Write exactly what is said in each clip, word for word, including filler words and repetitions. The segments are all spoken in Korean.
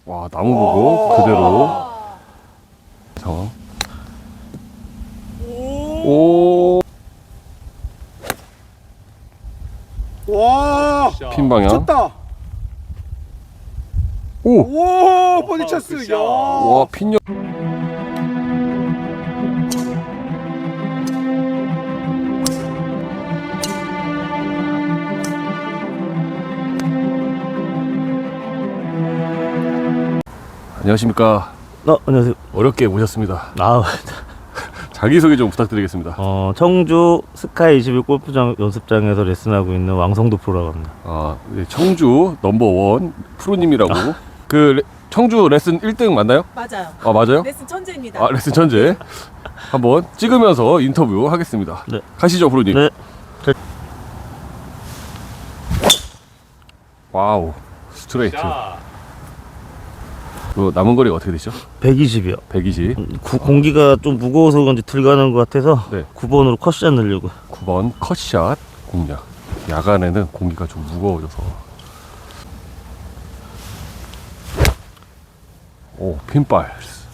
와, 나무 보고 그대로 상황. 오, 와, 핀 방향. 쳤다. 오, 와, 버디 찬스. 야. 와, 핀 옆. 안녕하십니까. 어, 안녕하세요. 어렵게 모셨습니다. 아, 자기소개 좀 부탁드리겠습니다. 어, 청주 스카이 이십일 골프장 연습장에서 레슨하고 있는 왕성도 프로라고 합니다. 아, 네, 청주 넘버원 프로님이라고. 그 레, 청주 레슨 일 등 맞나요? 맞아요. 아, 맞아요? 레슨 천재입니다. 아, 레슨 천재. 한번 찍으면서 인터뷰 하겠습니다. 네. 가시죠, 프로님. 네. 와우, 스트레이트. 그 남은 거리가 어떻게 되죠? 백이십이요. 백이십. 구, 공기가 좀 무거워서 그런지 들 가는 것 같아서 네. 구 번으로 컷샷 넣으려고. 구 번 컷샷 공략. 야간에는 공기가 좀 무거워져서. 오, 핀발.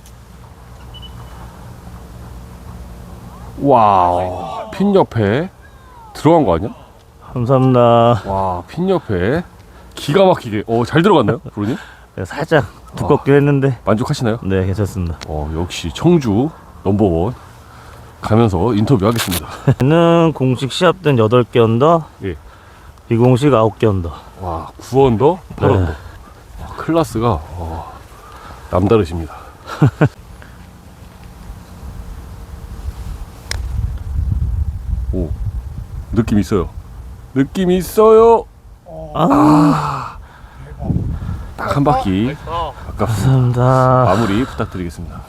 와우, 핀 옆에 들어간 거 아니야? 감사합니다. 와, 핀 옆에 기가 막히게. 어, 잘 들어갔나요, 프로님? 네, 살짝 두껍긴 했는데 만족하시나요? 네, 괜찮습니다. 어, 역시 청주 넘버원 가면서 인터뷰 하겠습니다. 저는 공식 시합 된 여덟 개 언더, 예. 비공식 아홉 개 언더. 와, 구 언더, 팔 언더. 네. 와, 클래스가 어, 남다르십니다. 오, 느낌 있어요. 느낌 있어요. 아, 딱 한 바퀴. 아깝습니다. 감사합니다. 마무리 부탁드리겠습니다.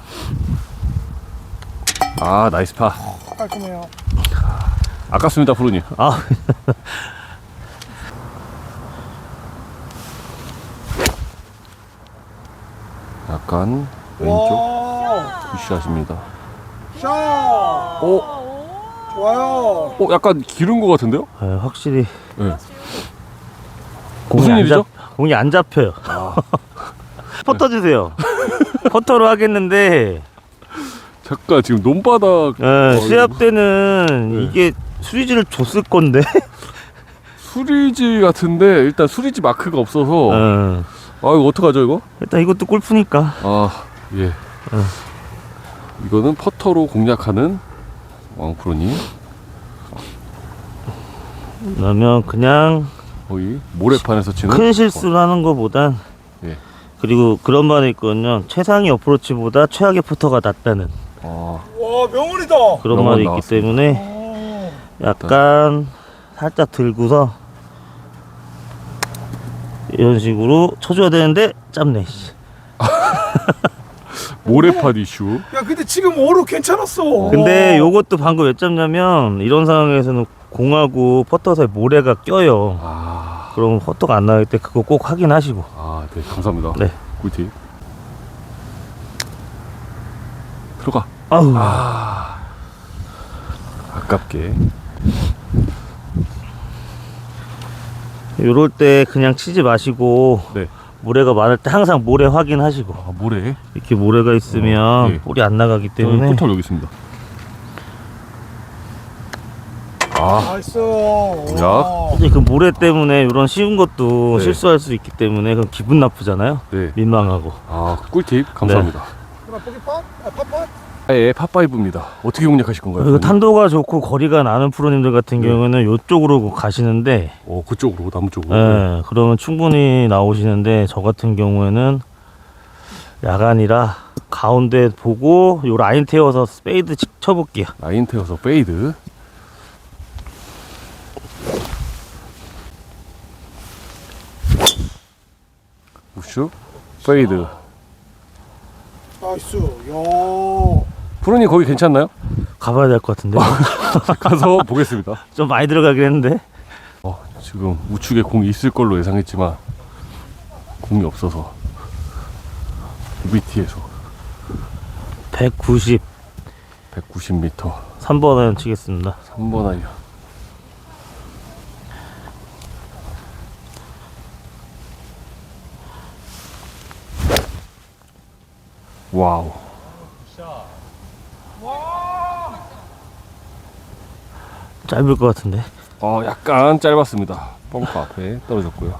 아, 나이스 파. 깔끔해요. 아깝습니다, 프로님. 아, 약간 왼쪽 와, 푸시하십니다. 샷. 오, 좋아요. 어, 약간 기른 것 같은데요? 네, 확실히 네. 공이 무슨 안 일이죠? 잡, 공이 안 잡혀요. 퍼터 주세요. 퍼터로 하겠는데 잠깐 지금 논바닥. 예, 어, 시합 때는 네. 이게 수리지를 줬을 건데. 수리지 같은데 일단 수리지 마크가 없어서. 예. 아, 이거 어떡하죠 이거? 일단 이것도 골프니까. 아, 예. 이거는 퍼터로 공략하는 왕프로님. 그러면 그냥 거의 모래판에서 치는. 큰 실수를 하는 것보단 예. 그리고 그런 말이 있거든요. 최상의 어프로치보다 최악의 퍼터가 낫다는 아, 와, 명언이다. 그런 명언 말이 있기 나왔습니다. 때문에 약간 살짝 들고서 이런 식으로 쳐줘야 되는데 짧네. 씨. 모래판 이슈. 야, 근데 지금 오로 괜찮았어. 근데 요것도 방금 왜 짧냐면 이런 상황에서는 공하고 퍼터 사이 모래가 껴요. 아, 그럼 퍼터가 안 나올 때 그거 꼭 확인하시고. 아, 네, 감사합니다. 네. 꿀팁. 들어가. 아우. 아, 아깝게. 요럴 때 그냥 치지 마시고 네. 모래가 많을 때 항상 모래 확인하시고. 아, 모래. 이렇게 모래가 있으면 어, 예. 볼이 안 나가기 때문에. 포털 여기 있습니다. 아, 나이스. 야. 이제 그 모래 때문에 이런 쉬운 것도 네. 실수할 수 있기 때문에 그럼 기분 나쁘잖아요. 네. 민망하고. 아, 꿀팁 감사합니다. 그럼 보기 팟? 아, 팟팟? 예, 팟파이브입니다. 어떻게 공략하실 건가요? 그리고 탄도가 좋고 거리가 나는 프로님들 같은 네. 경우는 이쪽으로 가시는데, 어, 그쪽으로, 나무 쪽으로. 예, 그러면 충분히 나오시는데 저 같은 경우에는 야간이라 가운데 보고 요 라인 태워서 페이드 치- 쳐볼게요. 라인 태워서 페이드. 우슈 페이드. 나이스. 야. 프로님 거기 괜찮나요? 가봐야 될 것 같은데. 가서 보겠습니다. 좀 많이 들어가긴 했는데. 어, 지금 우측에 공이 있을 걸로 예상했지만 공이 없어서 유비티에서 백구십. 백구십 미터 삼 번은 치겠습니다. 삼 번 아이언. 와우. 짧을 것 같은데. 어, 약간 짧았습니다. 벙커 앞에 떨어졌고요.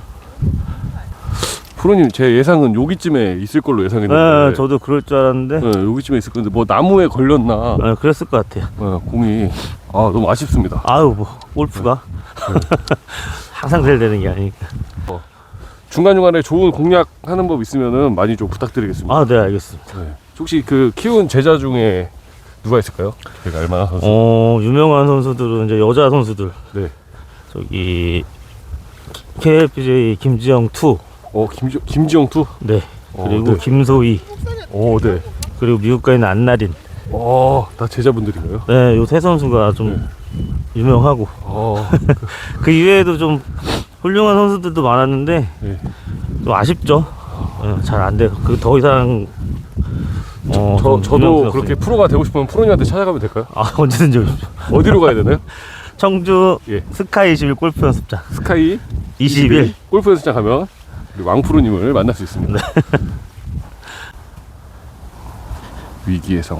프로님, 제 예상은 여기쯤에 있을 걸로 예상했는데. 네, 저도 그럴 줄 알았는데. 네, 여기쯤에 있을 건데 뭐 나무에 걸렸나. 네, 그랬을 것 같아요. 네, 공이 아 너무 아쉽습니다. 아유, 뭐 골프가 항상 잘 되는 게 아니니까. 중간중간에 좋은 공략하는 법 있으면은 많이 좀 부탁드리겠습니다. 아, 네, 알겠습니다. 네. 혹시 그 키운 제자 중에 누가 있을까요? 제가 알만한 선수. 어, 유명한 선수들은 이제 여자 선수들. 네. 저기 케이엘피제이 김지영 투. 어 김지 김지영 투. 네. 어, 그리고 네. 김소희. 어 네. 그리고 미국 가 있는 안나린. 어다 제자분들인가요? 네, 요 세 선수가 좀 유명하고. 어. 그 이외에도 좀 훌륭한 선수들도 많았는데 네. 좀 아쉽죠. 네, 잘 안 돼요. 그 더 이상 어, 저 좀 저도 유명세가 그렇게 없어요. 프로가 되고 싶으면 프로님한테 찾아가면 될까요? 아, 언제든지 오십시오. 어디로 가야 되나요? 청주 예. 스카이 이십일 골프 연습장 스카이 이십일. 골프 연습장 가면 우리 왕 프로님을 만날 수 있습니다. 네. 위기의 상황.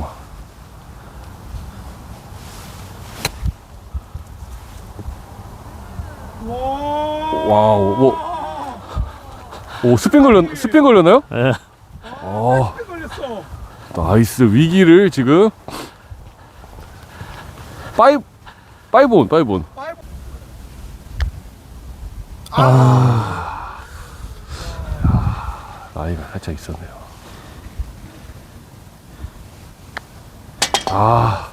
와우, 뭐, 오 스핀 걸렸 스핀 걸렸나요? 예. 어, 걸렸어. 나이스. 위기를 지금 파이브 파이브온 파이브온. 아, 나이가 살짝 있었네요. 아,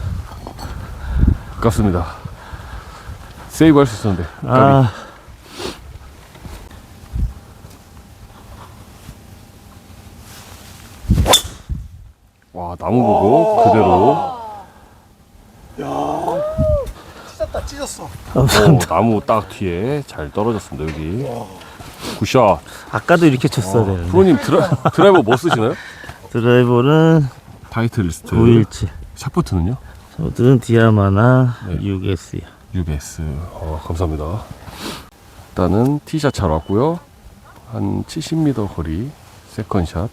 아깝습니다. 세이브 할 수 있었는데. 까비. 아, 와, 나무 보고 그대로. 야, 찢었다, 찢었어. 오, 나무 딱 뒤에 잘 떨어졌습니다. 여기. 굿샷. 아까도 이렇게 쳤어야 되는데. 프로님 드라, 드라이버 뭐 쓰시나요? 드라이버는 타이틀 리스트. 구일칠. 샷포트는요? 저들은 디아마나 네. 유에스요. 유비에스. 어, 감사합니다. 일단은 티샷 잘 왔고요. 한 칠십 미터 거리 세컨샷.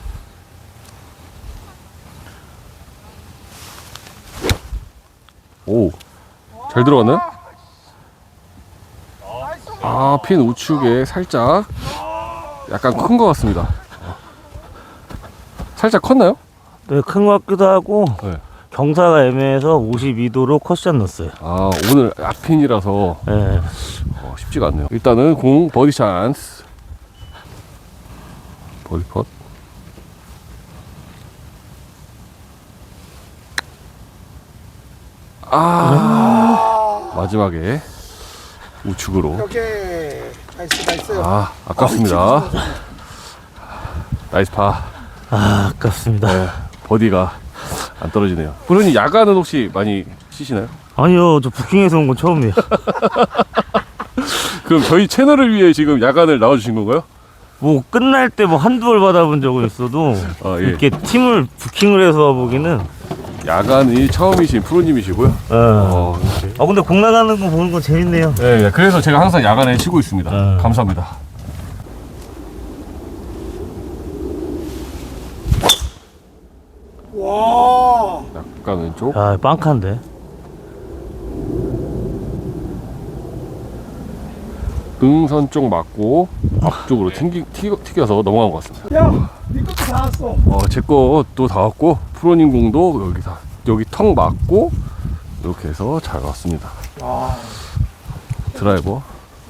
오, 잘 들어갔나요? 아, 핀 우측에 살짝 약간 큰 것 같습니다. 살짝 컸나요? 네, 큰 것 같기도 하고 네. 경사가 애매해서 오십이 도로 컷샷 넣었어요. 아, 오늘 앞핀이라서 네. 어, 쉽지가 않네요. 일단은 공 버디 찬스. 버디 펫. 아, 마지막에 우측으로. 오케이. 나이스, 나이스. 아, 아깝습니다. 나이스 파. 아, 아깝습니다. 네, 버디가 안 떨어지네요. 프로님 야간은 혹시 많이 치시나요? 아니요, 저 부킹해서 온 건 처음이에요. 그럼 저희 채널을 위해 지금 야간을 나와주신 건가요? 뭐 끝날 때 뭐 한두 벌 받아본 적은 있어도 아, 예. 이렇게 팀을 부킹을 해서 보기는. 야간이 처음이신 프로님이시고요. 어. 어, 이렇게. 아, 근데 공 나가는 거 보는 건 재밌네요. 네, 네, 그래서 제가 항상 야간에 치고 있습니다. 음. 감사합니다. 와. 약간 왼쪽. 아, 빵칸데. 등선 쪽 맞고 앞쪽으로 튕기, 튀겨, 튀겨서 넘어간 것 같습니다. 야, 네 것도 다 왔어. 어, 제 것도 다 왔고 프로님 공도 여기 다 여기 턱 맞고 이렇게 해서 잘 왔습니다. 와. 드라이버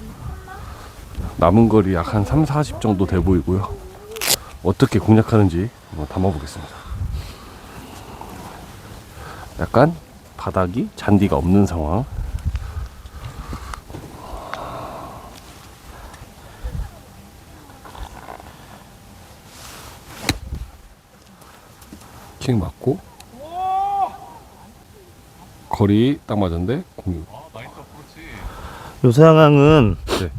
남은 거리 약 한 삼, 사십 정도 돼 보이고요. 어떻게 공략하는지 한번 담아보겠습니다. 약간 바닥이 잔디가 없는 상황. 킹 맞고 거리 딱 맞았는데 공유. 요 상황은 네.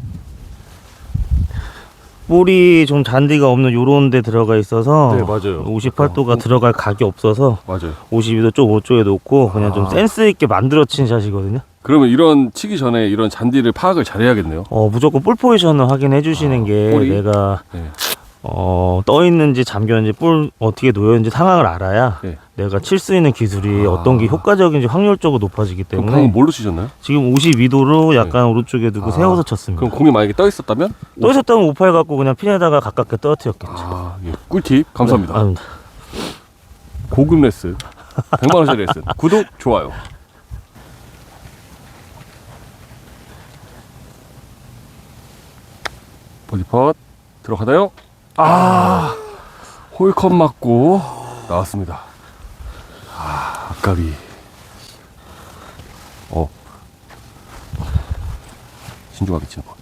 볼이 좀 잔디가 없는 요런 데 들어가 있어서 네, 맞아요. 오십팔 도가 어, 들어갈 각이 없어서 맞아요. 오십이 도 좀 오쪽에 놓고 그냥 좀 아. 센스 있게 만들어 친 샷이거든요. 그러면 이런 치기 전에 이런 잔디를 파악을 잘 해야겠네요. 어, 무조건 볼 포지션을 확인해 주시는 아, 게 볼이? 내가 네. 어, 떠 있는지 잠겼는지 볼 어떻게 놓여 있는지 상황을 알아야 네. 내가 칠 수 있는 기술이 아. 어떤 게 효과적인지 확률적으로 높아지기 그럼 때문에 방금 뭘로 치셨나요? 지금 오십이 도로 약간 오른쪽에 두고 아. 세워서 쳤습니다. 그럼 공이 만약에 떠 있었다면? 떠 있었다면 오팔 갖고 그냥 핀에다가 가깝게 떨어뜨렸겠죠. 아, 예. 꿀팁 감사합니다. 네, 아닙니다. 고급 레슨, 백만 원짜리 레슨. 구독, 좋아요. 버디팟 들어가나요? 아, 홀컵 맞고 나왔습니다. 아, 아까비. 어, 신중하게 치는 거.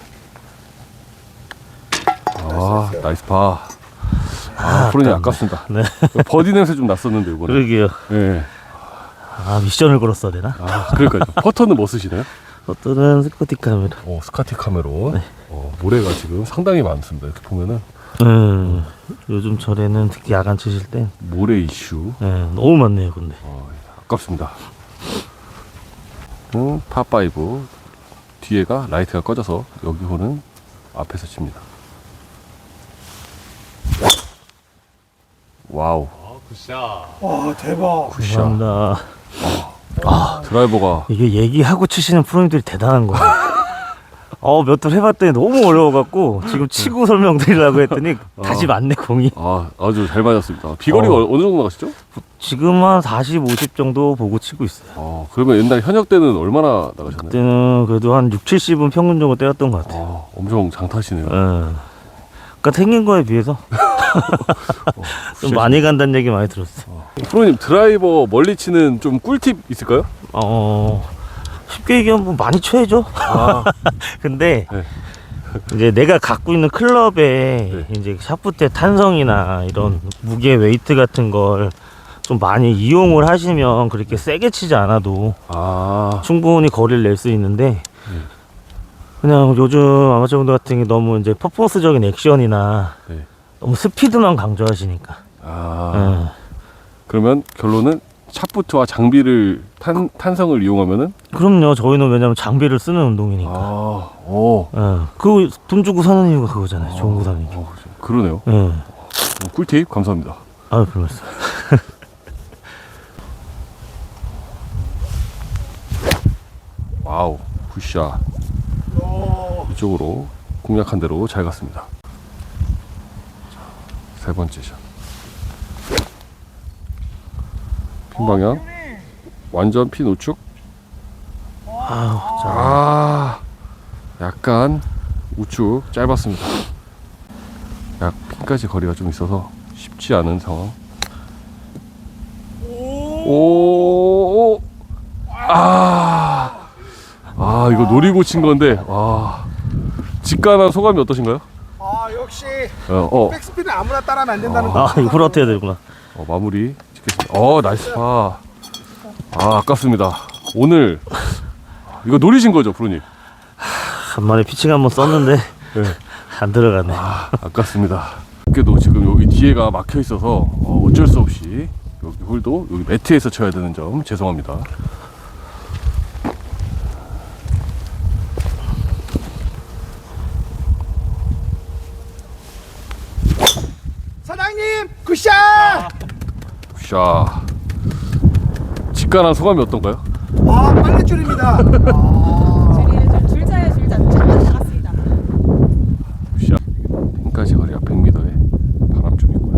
아, 나이스 파. 아, 프로님 아깝습니다. 네. 버디 냄새 좀 났었는데 이번에. 그러게요. 예. 아, 미션을 걸었어야 되나? 아, 그러니까요. 퍼터는 뭐 쓰시나요? 어떤 스코티 카메라. 어, 스카티 카메론. 어, 모래가 지금 상당히 많습니다. 이렇게 보면은 음, 요즘 절에는 특히 야간 치실 때 모래 이슈. 예, 너무 많네요. 근데 어, 아깝습니다. 음, 파파이브 뒤에가 라이트가 꺼져서 여기 홀은 앞에서 칩니다. 와우, 와 대박. 굿샷. 감사합니다. 드라이버가 이게 얘기하고 치시는 프로님들이 대단한 거예요. 어, 몇 돌 해봤더니 너무 어려워갖고 지금 치고 설명드리려고 했더니 다시 맞네 공이. 아, 아주 잘 맞았습니다. 비거리가 어. 어. 느 정도 나가시죠? 지금 한 사십, 오십 정도 보고 치고 있어요. 어, 그러면 옛날 현역 때는 얼마나 나가셨나요? 그때는 그래도 한 육, 칠십은 평균적으로 때렸던 것 같아요. 아, 엄청 장타시네요. 예. 그러니까 생긴 거에 비해서 좀 많이 간다는 얘기 많이 들었어요. 프로님 드라이버 멀리 치는 좀 꿀팁 있을까요? 어, 쉽게 얘기하면 뭐 많이 쳐야죠. 아, 근데 네. 이제 내가 갖고 있는 클럽에 네. 이제 샤프트의 탄성이나 이런 무게 웨이트 같은 걸 좀 많이 이용을 하시면 그렇게 세게 치지 않아도 아, 충분히 거리를 낼 수 있는데 네. 그냥 요즘 아마추어분들 같은 게 너무 이제 퍼포먼스적인 액션이나 네. 너무 스피드만 강조하시니까. 아, 예. 그러면 결론은 샷부트와 장비를 탄, 탄성을 이용하면은 그럼요. 저희는 왜냐면 장비를 쓰는 운동이니까. 아, 오, 예. 그 돈 주고 사는 이유가 그거잖아요. 좋은 거 사는 이유. 어, 그러네요. 예. 어, 꿀팁 감사합니다. 아유, 별 말씀. 와우, 굿샷. 이쪽으로 공략한 대로 잘 갔습니다. 자, 세 번째 샷. 핀 방향 완전 핀 우측. 아유, 자. 아, 약간 우측 짧았습니다. 약 핀까지 거리가 좀 있어서 쉽지 않은 상황. 오, 아, 아 이거 노리고 친 건데, 와, 직관한 소감이 어떠신가요? 아 역시 어, 어, 백스핀은 아무나 따라하면 안 된다는 거. 아, 이거 풀어뜨려야 되구나. 어 마무리 찍겠습니다. 어, 나이스 파. 아, 아깝습니다. 오늘 이거 노리신 거죠, 프로님? 간만에 피칭 한번 썼는데 네. 안 들어가네. 아, 아깝습니다. 그래도 지금 여기 뒤에가 막혀 있어서 어, 어쩔 수 없이 여기 홀도 여기 매트에서 쳐야 되는 점 죄송합니다. 사장님 굿샷. 샤. 직관한 소감이 어떤가요? 와 빨래줄입니다. 아, 줄이에요. 줄자에 줄자 잠깐 나갔습니다. 샤. 핀까지 거리가 백 미터에 바람 좀 있고요.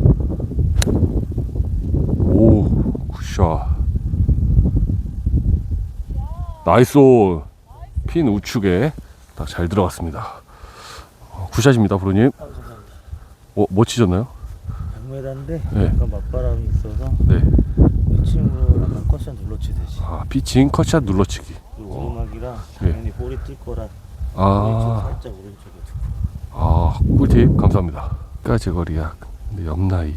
오, 굿샷. 나이스 온. 핀 우측에 딱 잘 들어갔습니다. 어, 굿샷입니다, 프로님. 어, 뭐 치셨나요? 백 미터인데 네. 약간 맞바람이 있어서 네. 피칭으로 약간 커션 눌러치듯이. 아, 피칭 컷샷 눌러치기. 오르막이라 네. 당연히 볼이 뜰 거라 아, 왼쪽 살짝 오른쪽에 두고. 아, 꿀팁 감사합니다. 까지 거리 약. 근데 옆나이.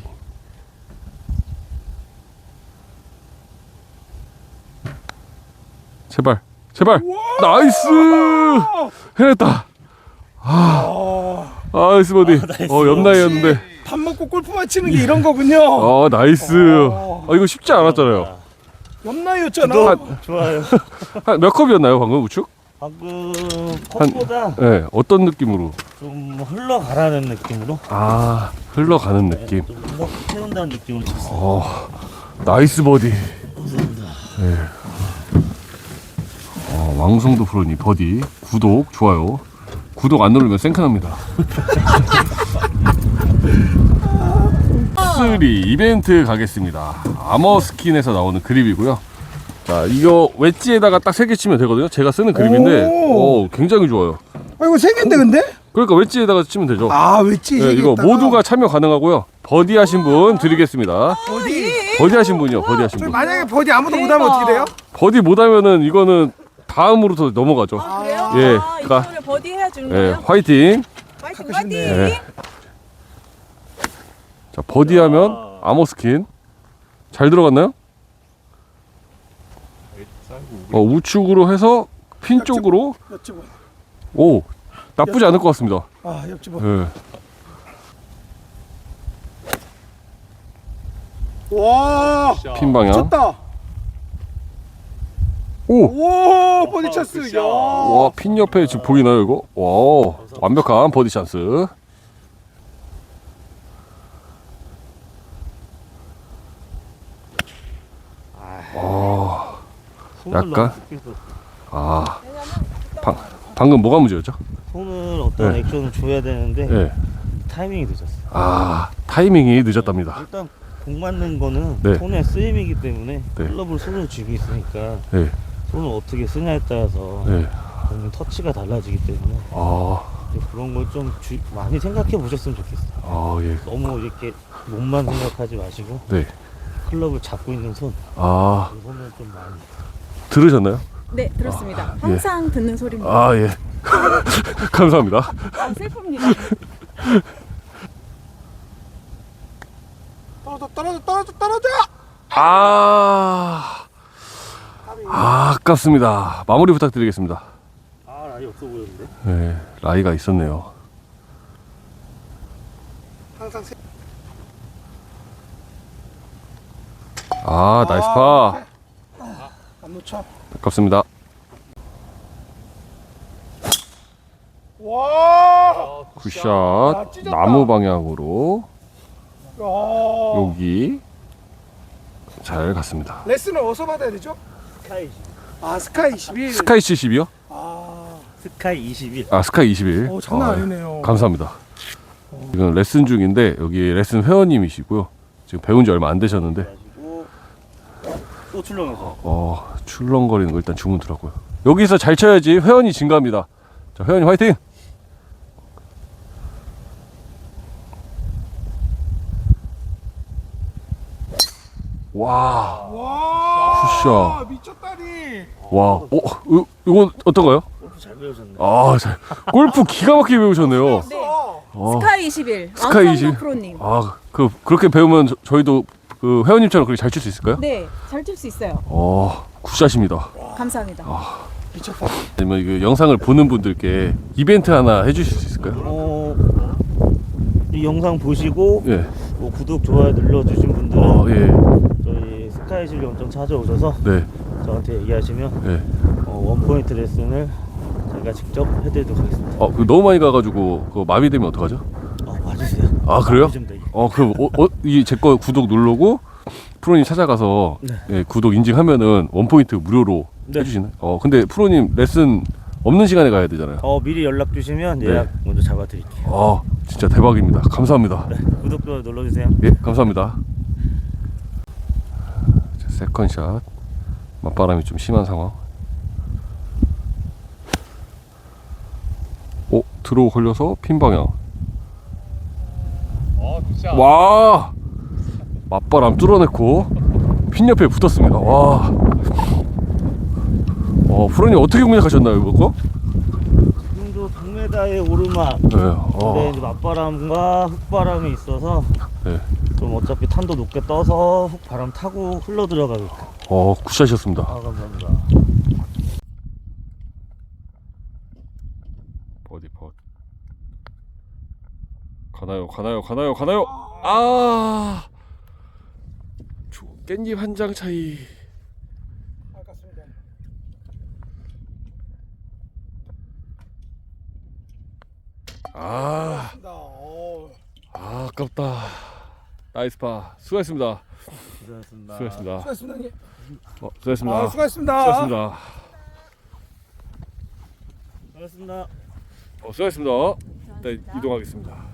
제발, 제발. 나이스. 해냈다. 아, 나이스 버디. 어, 옆나이였는데. 밥 먹고 골프만 치는 게 이런 거군요. 아, 나이스. 아, 이거 쉽지 않았잖아요. 옆나이였잖아. 좋아요. 한 몇 컵이었나요, 방금 우측? 방금 컵보다 네, 어떤 느낌으로? 좀 흘러가라는 느낌으로. 아, 흘러가는 느낌. 네, 좀 흘러 세운다는 느낌으로 쳤어요. 어, 나이스 버디. 네. 어, 왕성도 프로님 버디. 구독, 좋아요. 구독 안 누르면 생크납니다. 쓰리 이벤트 가겠습니다. 아머 스킨에서 나오는 그립이고요. 자, 이거 웨지에다가 딱 세 개 치면 되거든요. 제가 쓰는 그립인데, 오. 오, 굉장히 좋아요. 아 이거 세 개인데 근데? 그러니까 웨지에다가 치면 되죠. 아 웨지 네, 이거 모두가 참여 가능하고요. 버디 하신 분 드리겠습니다. 어디? 버디 하신 분이요. 버디 하신 저희 분. 만약에 버디 아무도 못하면 어떻게 돼요? 버디 못하면은 이거는 다음으로 더 넘어가죠. 아, 그래요? 예, 아, 그러니까- 이거를 버디 해야 주는 예, 거예요? 화이팅. 파이팅, 가끔씩 파이팅! 예. 자, 버디하면 아머 스킨 잘 들어갔나요? 어, 우측으로 해서 핀 쪽으로. 옆집은. 오, 나쁘지 않을 것 같습니다. 아 옆집은. 예. 와. 핀 방향. 쳤다. 오, 오 버디 찬스. 야. 와, 핀 옆에 지금 보이나요 이거? 와, 완벽한 버디 찬스. 아, 손을 약간? 너무 깊게 써. 아, 방, 방금 뭐가 문제였죠? 손을 어떤 네. 액션을 줘야 되는데 예. 타이밍이 늦었어요. 아, 타이밍이 늦었답니다. 일단 공 맞는 거는 네. 손의 쓰임이기 때문에 네. 클럽을 손을 쥐고 있으니까 예, 손을 어떻게 쓰냐에 따라서 예. 공의 터치가 달라지기 때문에 아, 이제 그런 걸 좀 많이 생각해 보셨으면 좋겠어요. 아, 예. 너무 이렇게 몸만 생각하지 마시고 네. 클럽을 잡고 있는 손, 아, 그 손을 좀 많이. 들으셨나요? 네, 들었습니다. 아, 예. 항상 듣는 소리입니다. 아, 예. 감사합니다. 아, 슬픕니다. 떨어져 떨어져 떨어져 떨어져. 아, 아, 아깝습니다. 마무리 부탁드리겠습니다. 아, 라이 없어 보였는데. 네, 라이가 있었네요. 항상 세. 아, 나이스 파. 안 놓쳐. 아깝습니다. 와. 굿샷. 아, 찢었다. 나무 방향으로 야. 여기 잘 갔습니다. 레슨을 어디서 받아야 되죠? 스카이 아 스카이 이십일. 스카이 칠십이요? 아. 스카이 이십일. 아, 스카이 이십일. 오 장난 아, 아니네요. 감사합니다. 지금 레슨 중인데 여기 레슨 회원님이시고요. 지금 배운 지 얼마 안 되셨는데 가지고 또 출렁해서. 어, 출렁거리는 거 일단 주문 들어고요. 여기서 잘 쳐야지 회원이 증가합니다. 자, 회원님 화이팅! 와, 와. 굿샷. 미쳤다니. 와, 어, 이- 이건 어떤가요? 골프 잘 배우셨네. 아, 잘, 골프 기가 막히게 배우셨네요. 네. 어, 스카이 이십일. 스카이 왕성도 이십일. 프로님. 아, 그 그렇게 배우면 저, 저희도 그 회원님처럼 그렇게 잘 칠 수 있을까요? 네, 잘 칠 수 있어요. 어, 굿샷입니다. 감사합니다. 미쳤다. 아니면 이거 영상을 보는 분들께 이벤트 하나 해주실 수 있을까요? 어, 이 영상 보시고 예. 뭐 구독, 좋아요 눌러주신 분들은 어, 예. 저희 스카이 실용점 찾아오셔서 네. 저한테 얘기하시면 예. 어, 원포인트 레슨을 제가 직접 해드리도록 하겠습니다. 어, 그 너무 많이 가가지고 그 마비되면 어떡하죠? 어, 와주세요. 아, 그래요? 좀 되게. 어, 그럼 어, 어, 이제 거 구독 누르고 프로님 찾아가서 네. 예, 구독 인증하면은 원 포인트 무료로 네. 해주시나요? 어, 근데 프로님 레슨 없는 시간에 가야 되잖아요. 어, 미리 연락 주시면 네. 예약 먼저 잡아드릴게요. 아, 진짜 대박입니다. 감사합니다. 네, 구독, 좋아요 눌러주세요. 예, 감사합니다. 자, 세컨샷. 맞바람이 좀 심한 상황. 오, 들어오 걸려서 핀 방향. 와, 맞바람 뚫어냈고 핀 옆에 붙었습니다. 와, 어, 프로님 어떻게 공략하셨나요 이거? 지금도 백 미터의 오르막. 네, 근데 어, 이제 맞바람과 흙바람이 있어서 네, 좀 어차피 탄도 높게 떠서 흙바람 타고 흘러 들어가게끔. 어, 굿샷이었습니다. 아, 감사합니다. 버디 펫. 가나요, 가나요, 가나요, 가나요. 아, 조- 깻잎 한 장 차이. 아깝습니다. 아, 어, 아 아깝다. 나이스 파. 수고했습니다. 수고하셨습니다. 수고했습니다. 수고하셨습니다. 형님. 어, 수고했습니다. 아, 수고하셨습니다. 수고했습니다. 수고하셨습니다. 어, 수고했습니다. 일단 이동하겠습니다.